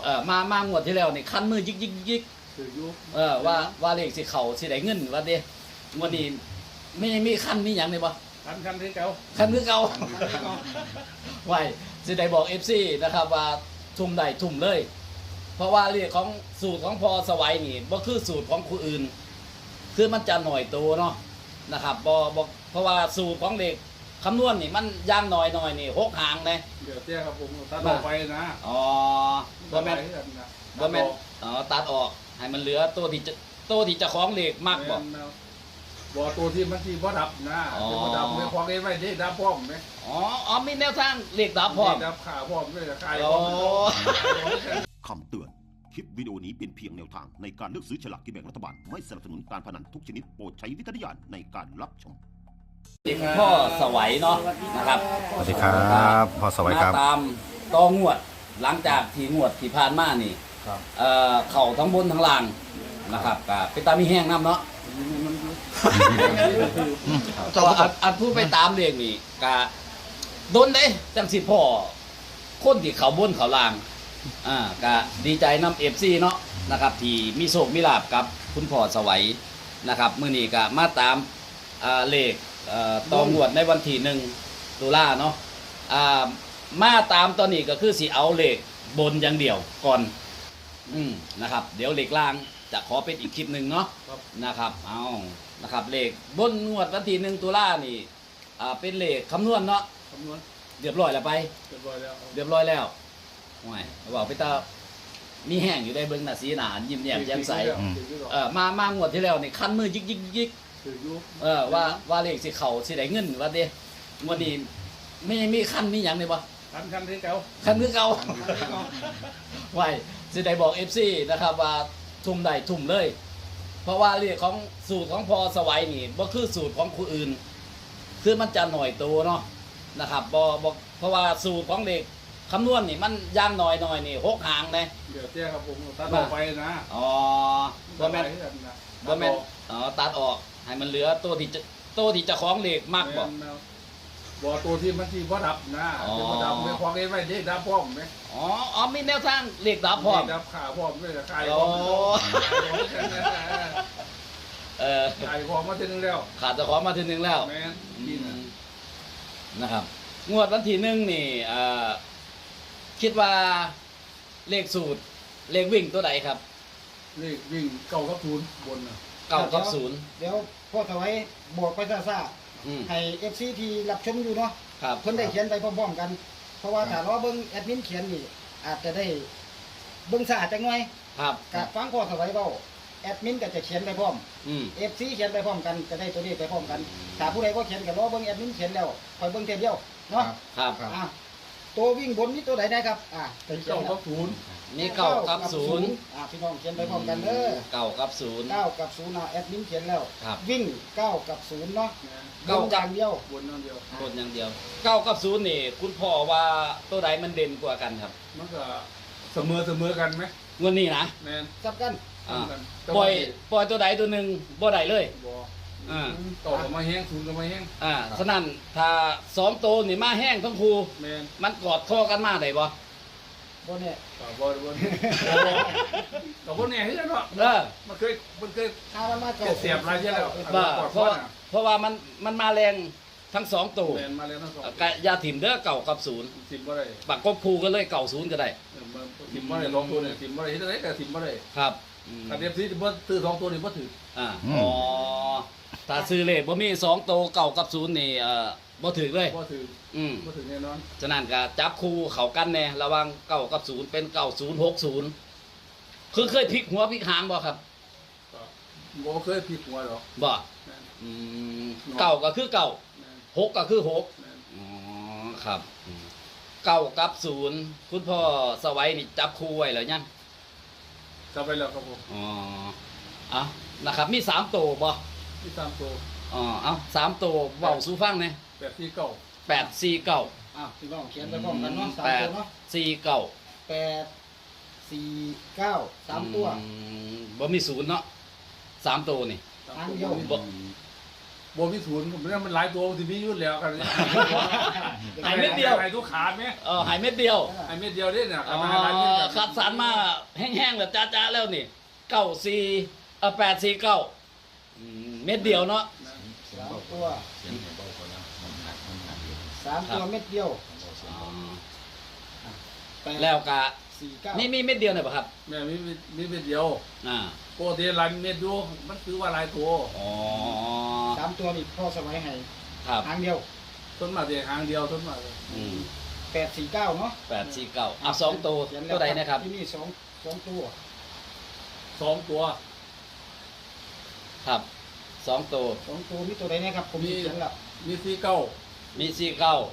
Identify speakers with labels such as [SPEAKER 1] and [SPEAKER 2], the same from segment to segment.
[SPEAKER 1] มางวดที่แล้วนี่คันมือยิก
[SPEAKER 2] ถือยุบ
[SPEAKER 1] ว่าเลขสิเขาสิได้เงินว่าเด้งวดนี้ไม่มีคันมีหยังเลยบ่
[SPEAKER 2] คันที่เก่า
[SPEAKER 1] คันคือเก่าไว้สิได้บอก FC นะครับว่าทุ่มได้ทุ่มเลยเพราะว่าเรื่องของสูตรของพอสวัยนี่บ่คือสูตรของผู้อื่นคือมันจะหน่อยตัวเนาะนะครับบ่เพราะว่าสูตรของเด็กคำนวณนี่มันย่างหน่อยนี่6หางเลย
[SPEAKER 2] เดี๋ยวเจ้าครับผมตัดออกไปนะ
[SPEAKER 1] บ่แม่นตัดออกให้มันเหลือตัวที่จะคล้องเลขมากบ่
[SPEAKER 2] ตัวที่มันที่บ่ดับนะบ่ดับไม่คล้องไว้ได้ดับพร้อมไหม
[SPEAKER 1] มีแนวทางเลขดับพร้อม
[SPEAKER 2] ดับขาพร้อมด้วยขาย
[SPEAKER 3] คำเตือนคลิปวิดีโอนี้เป็นเพียงแนวทางในการเลือกซื้อฉลากกินแบ่งรัฐบาลไม่สนับสนุนการพนันทุกชนิดโปรดใช้วิจารณญาณในการรับชม
[SPEAKER 1] พ่อสวัยเนาะนะครับ
[SPEAKER 4] สวัสดีครับพ่อสวัยครับ
[SPEAKER 1] ตามต่องวดหลังจากที่งวดที่ผ่านมานี่เข่าทั้งบนทั้งล่างนะครับก็เป็นตามีแห้งน้ำเนาะอันผู้ไปตามเรื่องนี่ก็โดนได้จังสิพ่อคนที่เขาบนเขาล่างก็ดีใจนำFCเนาะนะครับที่มีโชคมีลาภกับคุณพ่อสวัยนะครับมื้อนี้ก็มาตามเลขต่องวดในวันที่1 ตุลาเนาะมาตามตอนนี้ก็คือสิเอาเลขบนอย่างเดียวก่อนนะครับเดี๋ยวเลขล่างจะขอเป็นอีกคลิปหนึ่งเนาะนะครับเอานะครับเลขบนงวดวันที่1 ตุลานี่เป็นเลขคำนวณเนาะ
[SPEAKER 2] คำนวณ
[SPEAKER 1] เรียบร้อยแล้วไป
[SPEAKER 2] เรียบร้อย
[SPEAKER 1] แล้วห่วยบอกพี่ตามีแห้งอยู่ได้เบิ่งหน้าสีหนายิ้มแย้มแจ่มใสมางวดที่แล้วนี่คันมือยิก
[SPEAKER 2] ถือยุบ
[SPEAKER 1] ว่าเลขสิเขาสิได้เงินว่าเด้งวดนี้ไม่มีคันมีหยังเลยบ่
[SPEAKER 2] คันที่เก่า
[SPEAKER 1] คันคือเก่าไว้สิได้บอก FC นะครับว่าทุ่มได้ทุ่มเลย เพราะว่าเรื่องของสูตรของพอสวัยนี่บ่คือสูตรของผู้อื่นคือมันจะหน่อยตัวเนาะนะครับบ่เพราะว่าสูตรของเด็กคำนวณนี่มันย่างหน่อยนี่6หางเลย
[SPEAKER 2] เดี๋ยวเจ้าครับผมตัดออกไปนะ
[SPEAKER 1] บ่แม่นตัดออกให้มันเหลือตัวที่จะคล้องเลขมากบ่
[SPEAKER 2] ตัวที่มันที่บ่ดับนะบ่ดับไม่คล้องไว้ได้ดับพร้อมไหม
[SPEAKER 1] มีแนวทางเลขดับพร้อม
[SPEAKER 2] ดับขาพร้อมด้วยขายพร้อมขายของมาทีนึงแล้ว
[SPEAKER 1] ขาดจะของมาทีนึงแล้วนะครับงวดวันที่1นี่คิดว่าเลขสูตรเลขวิ่งตัวไหนครับ
[SPEAKER 2] เลขวิ่ง9 กับ 0บนนะ
[SPEAKER 1] 9 กับ 0
[SPEAKER 5] เดี๋ยวพ่อถวายบอกไปซ่าให้ FC ที่รับชมอยู่เนาะเพิ่นได้เขียนไปพร้อมๆกันเพราะว่าถ้ารอเบิ่งแอดมินเขียนนี่อาจจะได้เบิ่งซ่าจังหน่อย
[SPEAKER 1] ครับ
[SPEAKER 5] ก็ฟังพ่อถวายเว้าแอดมินก็จะเขียนไปพร้อมFC เขียนไปพร้อมกันจะได้ตัวนี้ไปพร้อมกันถ้าผู้ใดบ่เขียนก็รอเบิ่งแอดมินเขียนแล้วค่อยเบิ่งเทปเดียวเนาะ
[SPEAKER 1] ครับ
[SPEAKER 5] ตัววิ่งบนนี่ตัวไหนได้ครับ
[SPEAKER 2] 9 กับ 0
[SPEAKER 1] มี9 กับ 0
[SPEAKER 5] พี่น้องเขียนไปพร้อมกันเด้อ
[SPEAKER 1] 9 กับ 0
[SPEAKER 5] 9 กับ 0แอดมินเขียนแล้ววิ่ง9 กับ 0เนาะ
[SPEAKER 1] 9
[SPEAKER 5] อย่างเดียว
[SPEAKER 2] บนอย่างเดี
[SPEAKER 1] ยว9 กับ 0นี่คุณพ่อว่าตัวไหนมันเด่นกว่ากันครับ
[SPEAKER 2] มันก็เสมอกันไหม
[SPEAKER 1] งวดนี้นะ
[SPEAKER 2] แม่น
[SPEAKER 5] จับกัน
[SPEAKER 1] ปล่อยตัวใดตัวหนึ่งบ่ได้เลย
[SPEAKER 2] ต่อมาแห้ง0ก็มาแห้ง
[SPEAKER 1] ฉะนั้นถ้า2ตัวนี่มาแห้งทั้งคู่มันกอดข้อกันมาได้บ่
[SPEAKER 5] บ่เนี่ย
[SPEAKER 2] บ่เนี่ยเฮ็ดเนาะมันเคย
[SPEAKER 5] มันมา
[SPEAKER 2] เสียบอะไรเยอะแล้ว
[SPEAKER 1] เพราะว่ามันมาแรงทั้ง2ตัว
[SPEAKER 2] มาแรงทั้ง2
[SPEAKER 1] ก็อย่าถิ่มเด้อ9 กับ 0
[SPEAKER 2] ถิ่มบ่ได้
[SPEAKER 1] ปักกบคู่กันเลย9 0ก็ได้
[SPEAKER 2] ถิ่มบ่ได้ลองตัวเนี่ยถิ่มบ่ได้เฮ็ดได้แต่ถิ่มบ่ได้
[SPEAKER 1] ครับ
[SPEAKER 2] ถ้าเรียบซีบ่ซื้อ2ตัวนี่บ่ถือ
[SPEAKER 1] ถ้าซื้อเลขบ่มี2ตัว9 กับ 0นี่บ่ถือเลย
[SPEAKER 2] บ่ถือบ่ถือแน่นอน
[SPEAKER 1] ฉะนั้นก็จับคู่เข้ากันแน่ระหว่าง9 กับ 0เป็น9060คือเคยพลิกหัวพลิกหางบ่ครับ
[SPEAKER 2] บ่เคยพลิกหัวหรอก
[SPEAKER 1] บ่9ก็คือ9 6ก็คือ6ครับ9 กับ 0คุณพ่อสวัยนี่จับคู่ไว้แล้วยัง
[SPEAKER 2] จับไปแล้วครับผม
[SPEAKER 1] นะครับมี3ตัวบ่
[SPEAKER 2] มี3ตัว
[SPEAKER 1] เอา3ตัวเว้าสู่ฟังแน่
[SPEAKER 2] 849
[SPEAKER 5] พี่น้องเขียนไปพร้อมกันเนาะ3ตัวเนาะ849 3ตัว
[SPEAKER 1] บ่มี0เนาะ3ตัวนี่
[SPEAKER 5] อันเดียว
[SPEAKER 2] บ่มีศูนย์ผมเนี่ยมันหลายตัวที่มีอยู่แล้วกัน
[SPEAKER 1] หายเม็ดเดียว
[SPEAKER 2] หายทุกขาดไหม
[SPEAKER 1] หายเม็ดเดียว
[SPEAKER 2] หายเม็ดเดียวนี่เนี่ย
[SPEAKER 1] อ๋อ
[SPEAKER 2] มาหลายเม็ดเนี่ย
[SPEAKER 1] คัดสรรมาแห้งๆแบบจ้าๆแล้วนี่94 849เม็ดเดียวเนาะ
[SPEAKER 5] 3 ตัว3 ตัวเม็ดเดียว8
[SPEAKER 1] แล้วก็
[SPEAKER 5] 4 9
[SPEAKER 1] นี่มีเม็ดเดียวเนี่ยป่ะครับ
[SPEAKER 2] แม่มีเม็ดเดียว
[SPEAKER 1] อ่า
[SPEAKER 2] ปกติหลายเม็ดอยู่มันคือว่าหลายตัว
[SPEAKER 1] อ๋อ
[SPEAKER 5] 3 ตัวนี่พ่อสมัยให้
[SPEAKER 1] ครับ
[SPEAKER 5] หางเดียว
[SPEAKER 2] ต้นมาแต่หางเดียวต้นมาเลย
[SPEAKER 5] 849เนาะ
[SPEAKER 1] 8492ตัว
[SPEAKER 5] เขียนแล้ว
[SPEAKER 1] ตัวใดนะครับ
[SPEAKER 5] ที่นี่2ตัว
[SPEAKER 2] 2 ตัว
[SPEAKER 1] ครับ2ตัว
[SPEAKER 5] 2 ตัวมีตัวใดนะครับผมเขียนแล้ว
[SPEAKER 2] มี49
[SPEAKER 1] มี49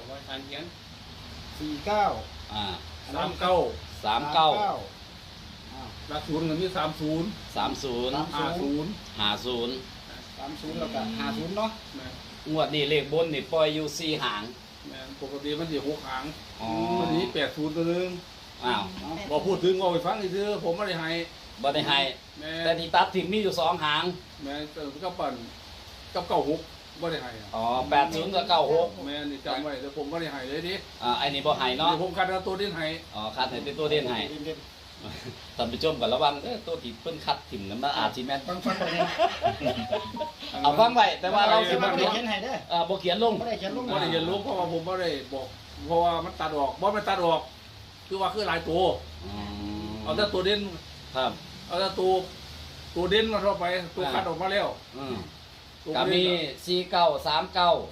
[SPEAKER 5] 49
[SPEAKER 1] อ่า
[SPEAKER 2] 39
[SPEAKER 1] 39
[SPEAKER 2] หลักศูนย์ก็มี30
[SPEAKER 1] 30
[SPEAKER 2] 50
[SPEAKER 1] 50
[SPEAKER 5] 30แล้วก็50เนาะ
[SPEAKER 2] แม่
[SPEAKER 1] งวดนี้เลขบนนี่ปล่อยอยู่4หาง
[SPEAKER 2] แม่ปกติมันสิ6หาง
[SPEAKER 1] อ๋อ
[SPEAKER 2] วันนี้80ตัวนึง
[SPEAKER 1] อ้าว
[SPEAKER 2] บ่พูดถึงเอาไปฟังซื่อผมไม่ได้ให้
[SPEAKER 1] บ่ได้ให้
[SPEAKER 2] แม่
[SPEAKER 1] แต่ที่ตัดถิ่มมีอยู่2หาง
[SPEAKER 2] แม่ก็ปั่นกับ96บ่ได้ให้
[SPEAKER 1] อ๋อ80กับ96
[SPEAKER 2] แม่นี่จำไว้แต่ผมบ่ได้ให้เลยดิ
[SPEAKER 1] ไอ้นี่บ่ให้เนาะ
[SPEAKER 2] นี่ผมคัดเอาตัวเด่นให้
[SPEAKER 1] อ๋อคัดให้เป็นตัวเด่นให้ท่านผู้ชมก็ระวังตัวที่เพิ่นคัดถิ่มนั้นมันอาจสิแม่น
[SPEAKER 5] ฟังไปเนี่ย
[SPEAKER 1] เอาฟังไว้แต่ว่าเราสิ
[SPEAKER 5] ไม่
[SPEAKER 1] บ่
[SPEAKER 5] ได้
[SPEAKER 1] เขียน
[SPEAKER 5] เขียนให้เด้อ
[SPEAKER 1] บ่เขียนลง
[SPEAKER 5] ไม่ได้เขียนลง
[SPEAKER 2] บ่ได้เรียนรู้เพราะว่าผมบ่ได้บอกเพราะว่ามันตัดออกบ่มันตัดออกคือว่าคือหลายตัว
[SPEAKER 1] อืม
[SPEAKER 2] เอาแต่ตัวเด่น
[SPEAKER 1] ครับ
[SPEAKER 2] เอาแต่ตัวเด่นมาเข้าไปตัวคัดออกมาแล้ว
[SPEAKER 1] อืม
[SPEAKER 2] ตัว
[SPEAKER 1] ก็
[SPEAKER 2] เด่น
[SPEAKER 1] มี49 39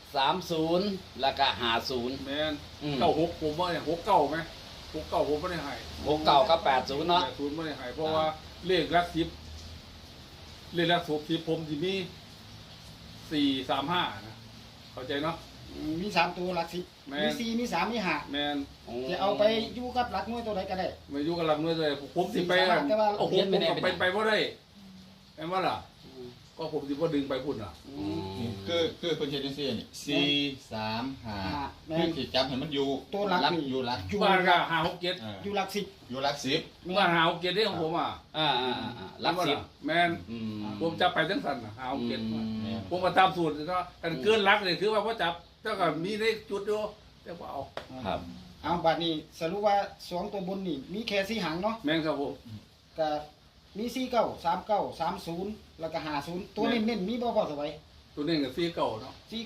[SPEAKER 1] 30แล้วก็50
[SPEAKER 2] แม่น
[SPEAKER 1] อืม
[SPEAKER 2] 96ผมว่าเนี่ย69มั้ย69ผมบ่ได้ให้
[SPEAKER 1] 69กับ80เนาะ
[SPEAKER 2] 80บ่ได้ให้เพราะว่าเลขหลัก10เลขหลัก10ผมสิมี435นะเข้าใจเนาะ
[SPEAKER 5] มี3ตัวหลัก10
[SPEAKER 2] แม่
[SPEAKER 5] มี4มี3มี5
[SPEAKER 2] แม่น
[SPEAKER 5] จะเอาไปอยู่กับหลักหน่วยตัวใดก็ได้
[SPEAKER 2] มาอยู่กับหลักหน่วยเลยผมสิไป
[SPEAKER 5] แต่ว่า
[SPEAKER 2] เอาผมไปบ่ได้แม่นว่าล่ะก็ผมสิบ่ดึงไปพุ่นน่ะ
[SPEAKER 6] คือคนเชียร์จังซี่นี่4 3 5คือสิจับให้มันอยู่
[SPEAKER 5] ตัวหลักนี่
[SPEAKER 6] อยู่หลัก
[SPEAKER 5] อยู่
[SPEAKER 2] บ้านก็5 6 7
[SPEAKER 5] อยู่หลัก10
[SPEAKER 6] อยู่หลัก10
[SPEAKER 2] บ้าน5 6 7ได้ของผมอ่ะ
[SPEAKER 1] หลัก
[SPEAKER 2] ว่า
[SPEAKER 1] สิบ
[SPEAKER 2] ล่ะแม่น
[SPEAKER 1] อืม
[SPEAKER 2] ผมจับไปทั้งสั่นน่ะ5 6
[SPEAKER 6] แม่
[SPEAKER 2] 7ผมก็ตามสูตรเนาะกันเกินหลักนี่คือว่าบ่จับเจ้าก็มีได้จุดอยู่แต่บ่เอา
[SPEAKER 1] ครับ
[SPEAKER 5] เอาบัดนี้สรุปว่า2ตัวบนนี่มีแค่4หางเนาะ
[SPEAKER 2] แม่นครับผม
[SPEAKER 5] ก็มี49 39 30แล้วก็50ตัวเน้นๆมีบ่พอสบาย
[SPEAKER 2] ตัวนี้ก็4 9เนาะ
[SPEAKER 5] 49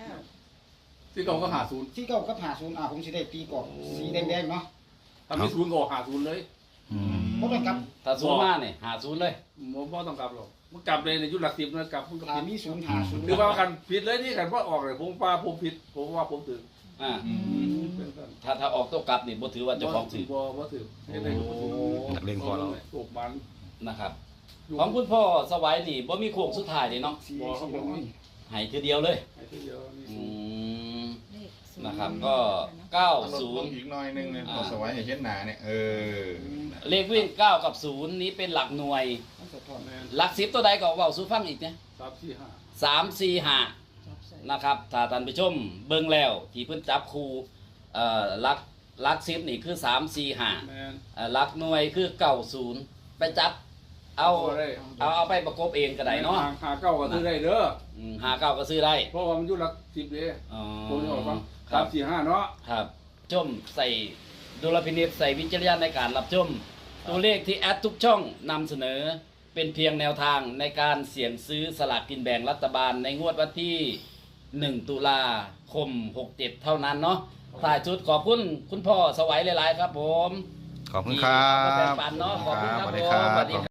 [SPEAKER 2] 4 9ก็50
[SPEAKER 5] 49กับ50ผมสิได้ตีกรอบสีแดงๆเนาะ
[SPEAKER 2] ถ้ามี0ก็50เลย
[SPEAKER 5] บ่ต้องกลับ
[SPEAKER 1] ถ้าศูนย์มาเนี่ย50เลย
[SPEAKER 2] ผมบ่ต้องกลับหรอกมันกลับเลยในยุคหลัก10นะกลับมันก็
[SPEAKER 5] ถ้า
[SPEAKER 2] ผิด
[SPEAKER 5] มี0 50
[SPEAKER 2] หรือว่ากันผิดเลยนี่กันว่าออกเลยผมว่าผมผิดผมว่าผมถึง
[SPEAKER 1] อ่า
[SPEAKER 2] เป็นกัน
[SPEAKER 1] ถ้าออกตัวกลับนี่บ่ถือว่าเจ้าของถือ
[SPEAKER 2] บ่ถือเห็นได้ก็บ่ถือ
[SPEAKER 4] นักเลงพอเรา
[SPEAKER 2] ถูกมัน
[SPEAKER 1] นะครับ ของคุณพ่อสวัยนี่บ่มีโค้งสุดท้ายเลยเนาะ
[SPEAKER 5] สีสีเหลืองนี่
[SPEAKER 1] ให้ทีเดียวเลย
[SPEAKER 2] ไอ้ที่เดียวนี่
[SPEAKER 1] อืมนะครับก็
[SPEAKER 6] ลดลงอีกหน่อยนึงเนี่ยพอสวัยให้เห็นหน้าเนี่ย
[SPEAKER 1] 90เลขวิ่ง9กับ0นี้เป็นหลักหน่วย
[SPEAKER 5] มันสะท้อน
[SPEAKER 2] แม่น
[SPEAKER 1] หลัก10ตัวใดก็เว้าสู่ฟังอีกเนี่ย
[SPEAKER 2] 3 4 5
[SPEAKER 1] 3 4 5นะครับถ้าท่านผู้ชมเบิ่งแล้วที่เพิ่นจับคู่หลัก10นี่คือ3 4 5
[SPEAKER 2] แม่น
[SPEAKER 1] หลักหน่วยคือ90ไปจับเอาไปประกบเองก็ได้เนาะ
[SPEAKER 2] หาเก้าก็ซื้อได้เด้อ
[SPEAKER 1] 59ก็ซื้อได้
[SPEAKER 2] เพราะว่ามันอยู่หลัก10เด้
[SPEAKER 1] อ๋อ
[SPEAKER 2] ผมจะบอกว่า
[SPEAKER 1] ครับ
[SPEAKER 2] 3 4 5เนาะ
[SPEAKER 1] ครับชมใส่ดุลพินิจใส่วิจารณญาณในการรับชม ตัวเลขที่แอดทุกช่องนำเสนอเป็นเพียงแนวทางในการเสี่ยงซื้อสลากกินแบ่งรัฐบาลในงวดวันที่ 1 ตุลาคม 67 เท่านั้นเนาะถ่ายชุดขอบคุณคุณพ่อสวัยหลาย ๆ ครับผม
[SPEAKER 4] ขอบคุณครับ
[SPEAKER 1] ที่มาแบ่งปันเนาะขอบคุณครับ
[SPEAKER 4] สวัสดี
[SPEAKER 1] ผม
[SPEAKER 4] ครับ
[SPEAKER 1] สวัสดีครับ